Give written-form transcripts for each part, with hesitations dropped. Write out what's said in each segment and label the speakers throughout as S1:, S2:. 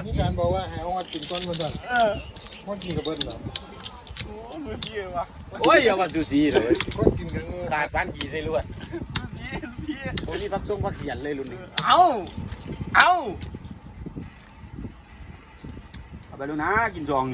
S1: มีการบอกว่าให้เอามากินก้อนมันสั่นก้อนกินกับเบิ้ลเหรอ
S2: โอ้ดูสิวะ
S3: โอ้ยอย่ามาซูซีเลย
S1: ก้อนกินกับงู
S3: ขาดปานขี่ใส่ลวด
S2: ดูสิ
S3: ผมนี่พักส่งพักเขียนเลยรุ่นนี้
S2: เอา
S3: ไปดูนะกินจองนี่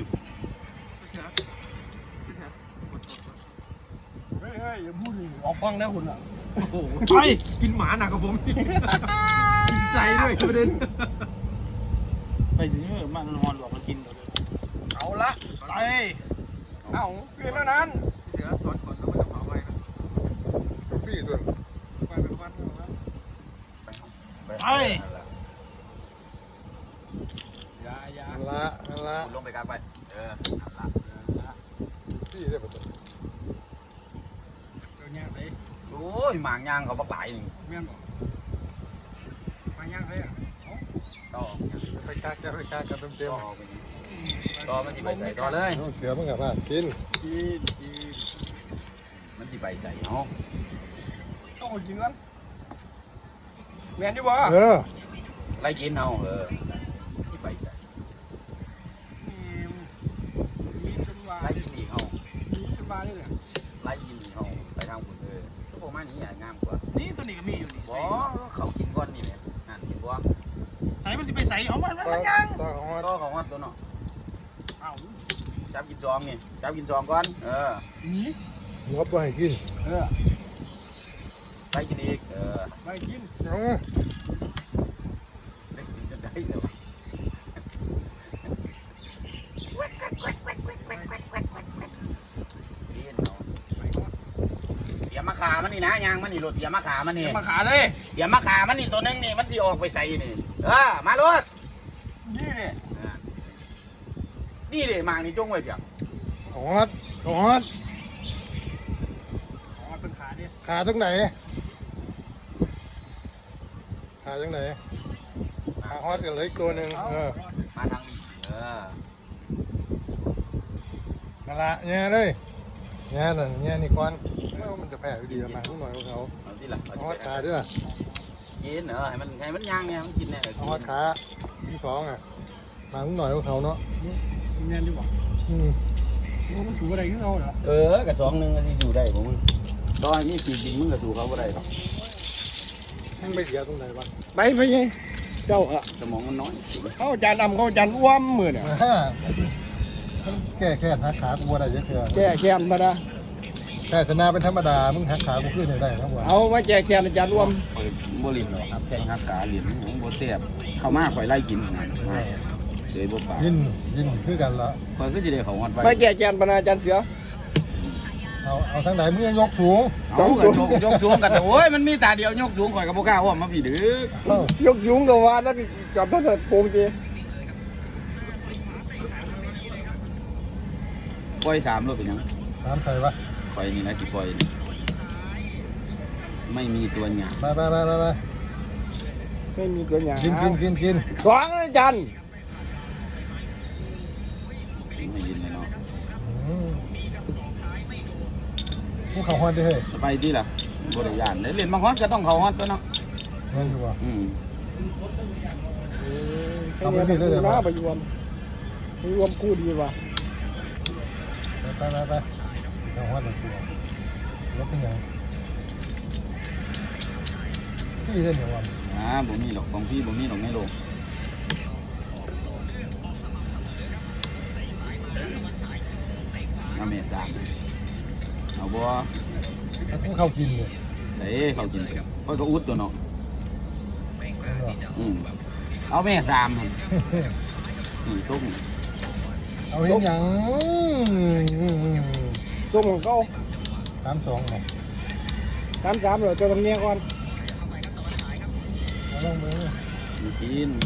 S2: เฮ้ยอย่าพูดดิออกฟังนะคุณอ่ะ
S3: โอ้โหไปกินหมาหนักกว่าผมกินใส่ด้วยประเด็น
S4: ไปถึงมันนอนบอกมากินเลย
S2: เอาละไปเอาเกินแล้วนั้น
S3: เดี๋ยวสอนก่อนแล้วมันจะเผาไว้
S1: พี่ส่วน
S2: ไปเป็นวัน
S4: ไป
S2: อย่า
S1: นั่นละ
S3: คุณลงไปกลางไปละ
S1: พี่ได้ปะ
S2: เดี๋ยวย่างไป
S3: โอ้ยหมางยางเขาบักหลายนี่
S2: เมียนบอกมาย่างไปอ่ะ
S3: ต่อ
S1: ไปกากกันเต็ม
S3: ต่อมันสิไปใส่ต่อเลย
S1: เสือมันกับว่ากิน
S3: มันสิไปใส่เนาะ
S2: ต้องกินกันเมียนดีบ่
S3: ไล่กินเอาที่ไปใส่
S2: มีจนว่า
S3: ไล่กินอีกเอา
S2: มีจนว่านี่แหละ
S3: ไล่กินอีกเอาไปทางคุณพวกมันนี้งามกว่า
S4: นี่ตัวนี้ก็มีอยู่นี่
S3: บ่เขากินก้อนนี่แหละนั่นกินบ่
S4: ใส่มันจะไปใส่เอามัน
S1: ต่อ
S4: ยัง
S1: ต่อฮอด
S3: ก็ของวัดตัวเนาะ
S4: เอา
S3: จับกินจองนี่จับกินจองก่อน
S2: นี่
S1: หัวไปให้กิน
S3: ไล่กินอีก
S2: ไปกิน
S1: เอา
S3: ได้กินจนได้เลยวะเดี๋ยวมาขามันนี่นะยางมันนี่รถเดี๋ยวมาขามันนี่
S2: มาขาเลย
S3: เดี๋ยวมาขามันนี่ตัวนึงนี่มันสิออกไปใส่นี่มารถ
S2: นี่เนี่ย
S3: นี่เลยมางนี่จงไว้เพียง
S1: ฮอด
S2: อ๋อเป็นขาดิ
S1: ขาตรงไหนขาตรงไหนขาฮอดกันเลยตัวหนึ่ง
S3: มาทางนี้
S1: นั่นละแง่เลยแง่นั่นแง่นี่ก่อนมันจะแพ้อยู่ดีมาทุกหน่อยของเขา
S3: เอาที่ละ
S1: ฮอดขาด้วยล่ะ
S3: กินให้มันย่างไงมันกินเนี่ย
S1: ฮอดขาที่สองอ่ะมาทุกหน่อยของเขาเนาะ
S2: เมียนดีบ่มันสูงอะไรขึ้นเราเหรอ
S3: กับ2 นึงที่อยู่ได้ผมมึงตอนนี้ปีจริงมึงก็สู่เขาบ่ได้หรอก
S1: แห้งไปเสียตรงไหนวะ
S2: ไปยังเจ้าอะ
S3: สมองมันน้อย
S2: เขาจานดำเขาจานอ้วมมือเนี่ย
S1: แก้แค่หักขากูว่าได้เยอะเกิน
S2: แก่แค้นมานะ
S1: แค่ชนะเป็นธรรมดามึงหักขากูขึ้นได้นะว่า
S2: เอามาแก่แค้นจานอ้วม
S3: บ่ลิ้นหรอกครับแข้งหักขาลิ้นผมบ่เสียบเข้ามาข่อยไล่กินเสยบ่ปาก
S1: ยินคือกันละ
S3: ข่อยก็สิได้เข้าฮอดไว้
S2: มาแก่แค้นปนาจานเสือ
S1: เอาทางไหนมึงยกสูง
S3: เอายกสูงกันโอ้ยมันมีตาเดียวยกสูงข่อยก็บ่กล้าอ้อมมาพี่ดึก
S2: ยกยุงตัวว่านั่นจอดตั้งแต่โป่งจี
S3: ปล่อย3รถเป็นหยัง
S1: ถามใครวะ
S3: ข่อยนี่นะสิปล่อยไม่มีตัวหยา
S1: ไป
S2: ไม่มีตัวอย่าง
S1: กิน
S2: สองนะจัน
S3: ไม่ยินเลยเนาะ
S1: มึงเขาฮอดได้เฮ้ย
S3: ไปที่ล่ะบ่ได้ย่านเล่นบางฮอดก็ต้องเข้าฮอดตัวเนาะ
S1: เงินอยู่วะ
S2: เอาไปเลยนะไปรวมคู่ดีว่ะ
S1: ไปเขาฮอดแบบตัวรถเป็นไงพี่เล่นอย่างวะ
S3: บ่มีหรอกของพี่บ่มีหรอกในโลกเอาเมษาเอาบ่
S1: มึงเข้ากินเลย
S3: เด้เขากินค่อยก็อุดตัวเนาะเอาแม่3หั่นทุก
S1: เอาเห็นอย่าง
S2: ตัวของเขา
S1: 32เนี่ย
S2: 33เลยเจ้าตำเนียก่อน
S1: เอาลงมือ
S3: กิน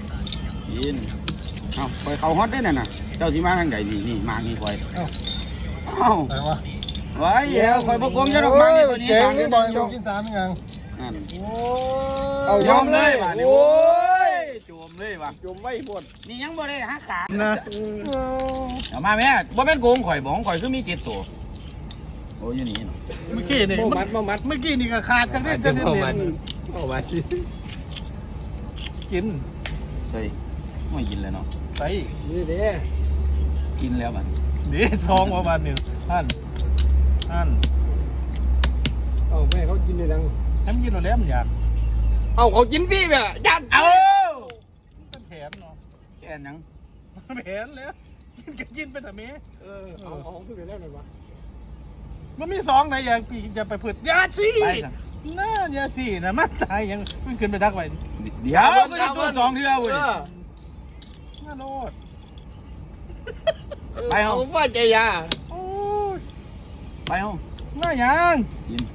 S3: เอาไปเข้าฮอตได้น่ะเจ้าสิมาทางใดนี่มานี่ค่อยเอ้า
S1: ไหนวะ
S3: ไว้เดี๋ยวค่อยบ่กงจะดอกมานี่ตัวนี้
S1: เจ๋ง
S3: ทาง
S1: นี่
S3: นี้
S1: บ
S3: บ่
S1: อย
S3: อยู่
S1: กิน3ยัง
S3: นั่น
S2: เอา
S3: ยอมเลยว่ะนี่
S2: โอ้
S3: โอ้ยจมเลยว่ะ
S2: จมไม่หมด
S3: นี่ยังบ่ได้หาขานะเอามาแม่บ่แม่นโกงข่อยบ่ของข่อยคือมี7ตัวโอ้ยอยู่นี่เนาะ
S4: เมื่อกี้นี่
S2: โมมัด
S4: เมื่อกี้นี่ก็ขาดกันได้จะได้เด่น
S2: เอามา
S4: กิน
S3: ใส่ไม่กินเลยเนาะ
S2: ไปนี่เด้
S3: กินแล้วบัด
S2: เด้ซองประมาณนี้ท่านเอ้าแม่เขากินในดังให้มันกินแล้วมันอยากเอ้าเขากินพี่แบบยันเอาเป็นแผนเนาะ
S3: แค่ยัง
S2: แผนแล้วกินไปแต่เมย์เอาขึ้นไปแล้วหน่อยวะมันมีซองไหนอย่างปีจะไปพืชยาสีน่ายาสีนะมันตายยังมันขึ้นไปดักไว้
S3: เดี๋ยวก็จะตัว2เทื่อเว้ย
S2: น่าโลด
S3: ไปเฮา
S5: ผมว่าใจยา
S2: โอ้ย
S3: ไปเฮา
S2: น่ายัง
S3: กิน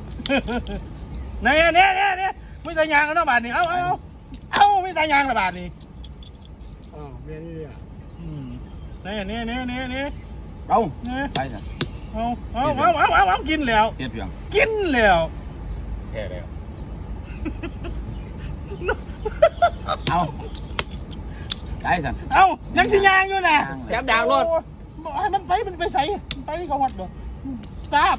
S2: เนี่ยไม่ตายยางแล้วบาทนี่เอาไม่ตายยางละบาทนี่
S5: อ๋อเมียนี่อ่ะ
S2: เนี่ย
S3: เอาไปซะ
S2: เอากินแล้ว
S3: เฮ็ดเพียง
S2: กินแล้ว
S3: แค่แล้วเอาได้ซะ
S2: เอายังสิยางอยู่นะ
S5: จับดางรถ
S2: บอกให้มันไปใส่ไปกับวัดบ่ทราบ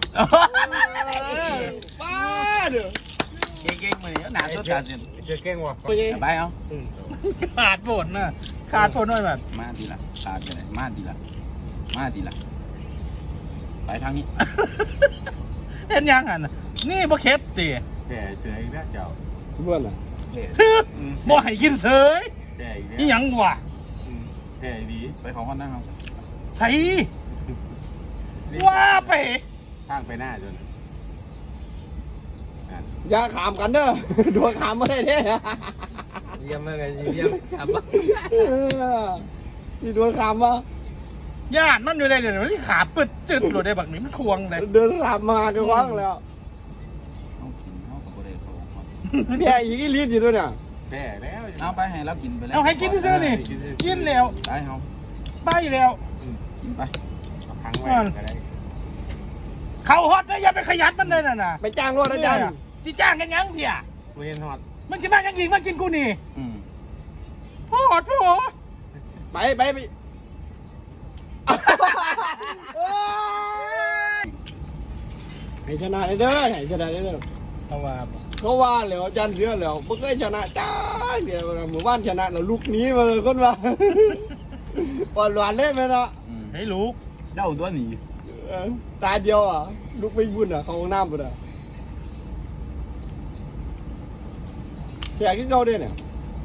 S5: ป้าเด้อ
S3: เก่งๆมื้อนี้หน้าสดตาสิ
S1: เจ๊เก่งว่ะ
S3: ไปเอา
S2: ขาดฝนน่ะขาดฝนหน่อยแบบ
S3: มาดีละขาดไปเลยมาดีละไปทางนี้
S2: เห็นยังอ่ะนี่บ่เค็ดติ
S4: แก่เฉยนะเจ้า
S5: เพื่อนอ่ะ
S2: บ่ให้กินเสย
S4: แก่อีก
S2: นี่
S4: แล้ว
S2: ยังวะ
S4: แก่ดี
S3: ไปของคนนั้นเอา
S2: ใส่ว่าไป
S4: ข้างไปหน้าจน
S5: อย่าขามกันเด้อโดนขามไม่ได้เด้
S1: เยี่ยมมากเลยเยี่ยมครับ
S5: ที่โดนขามวะ
S2: ญาติมันอยู่ได้เดี๋ยวมันขาปึดจึดโหลดได้บักนี้มันควงเลย
S5: เดินขามมาก็ว่างแล้ว
S3: เอากินเอากับบ่ได้เขา
S5: แค่อีกอีลีดอยู่ด้วยเนี่ย
S4: แก่แล้ว
S3: เอาไปให้เรากินไปแล้ว
S2: เอาให้กินซื่อๆนี่กินแล้ว
S3: ไปเฮา
S2: ไปแล้ว
S3: กินไป
S4: ค้างไว้ก็ได้
S2: เขาฮอตนะอย่าไปขยันมันเลยน่ะ
S5: ไปจ้างรถอาจารย์
S2: ที่จ้างกันยังเพี่ย
S4: เวียนหอด
S2: มันสิมายังยิงมากินกูนี่
S3: อืม
S2: พ่อโถ
S5: ไปให้ชนะเด้อให้ชนะเด้อ
S2: เอาว่า
S5: เขาว่าแล้วอาจารย์เสือแล้วไม่เคยชนะจ้าเดี๋ยวหมู่บ้านชนะแล้วลูกนี้มาเลยคนว่าปอนหวานเล่นไหมเนาะ
S3: อืม
S2: ให้ลูก
S3: เจ้าตัวนี้
S5: ตาเดียวอ่ะลูกไม่บุญอ่ะเขาห้องน้ำปุ่นอ่ะแขกที่เขาด้วยเนี่ย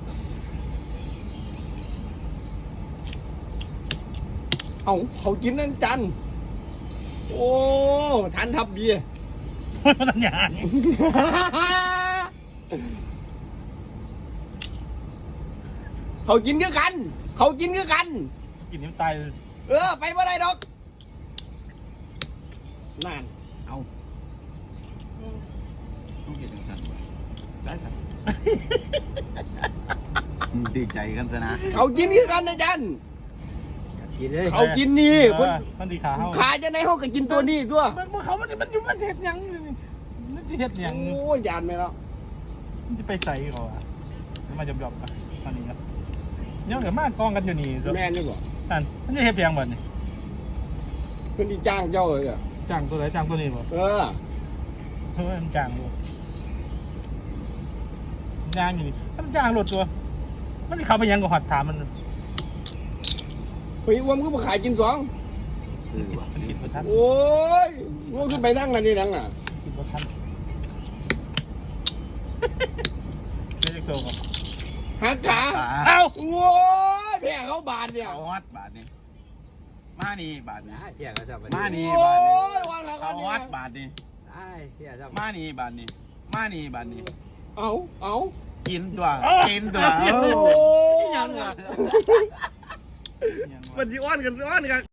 S5: เขากินนั่นจันโอ้ทันทับเบียร์
S2: มันตัญญาณ
S5: เขากินคือกัน
S2: กินนิ้วตาย
S5: ไปเมื่อไรดอกนั่น
S3: เอาต้องกินจังซั่นได้ซะดีใจกันซะนะ
S5: เขากินคือกันนะจัน
S1: กินเลย
S5: เขากินนี่
S2: มันดีขาเขา
S5: ขาจะในห้องก็กินตัวนี้ตัว
S2: มันเขามันอยู่มันเห็ดหยังมันจะเห็ดหยัง
S5: โอ้ยยานไหมเนาะ
S2: มันจะไปใส่เขาอ่ะมาจบๆกันตอนนี้ครับเนี่ยเดี๋ยวมากองกันอยู่นี่
S5: แม่นี่บ่
S2: นั่นมันจะเห็ดหยังบ่นี่
S5: เพิ่นที่จ้างเจ้าเลยอ่ะ
S2: จ้างตัวไหนจ้างตัวนี้บ่
S5: เออ
S2: มันจ้างบ่จ้างอยู่นี่มันจ้างรถตัวมันเข้าไปยังก็หอดถามมัน
S5: เฮ้ยอ้วมก็มาขายกินสอง
S2: มันคิดบ่ทัน
S5: โอ้ยอ้วมขึ้นไปนั่งนั่นนี่นั่งอ่ะ
S2: คิดบ่ทันไม่ได้โตกับ
S5: หักขา
S2: เอ้า
S5: โอ้ยแพ้เขาบาดเนี่ย
S3: เอาฮอดบาทนี้มานี่บาทนี้
S1: เที่ยก็ชอบ
S3: มานี่
S5: โอ้
S3: บาทนี้
S5: ยวางแล้วกั
S3: เอา
S5: น
S3: ฮอดบาทนี้
S1: ได้เที่ยชอบ
S3: มานี่บาทนี้มานี่บาทนี้
S5: เอา
S3: กินตัวกินตัว
S5: โอ้ย
S2: ยังอ่ะ
S5: มันจีอ้อนกัน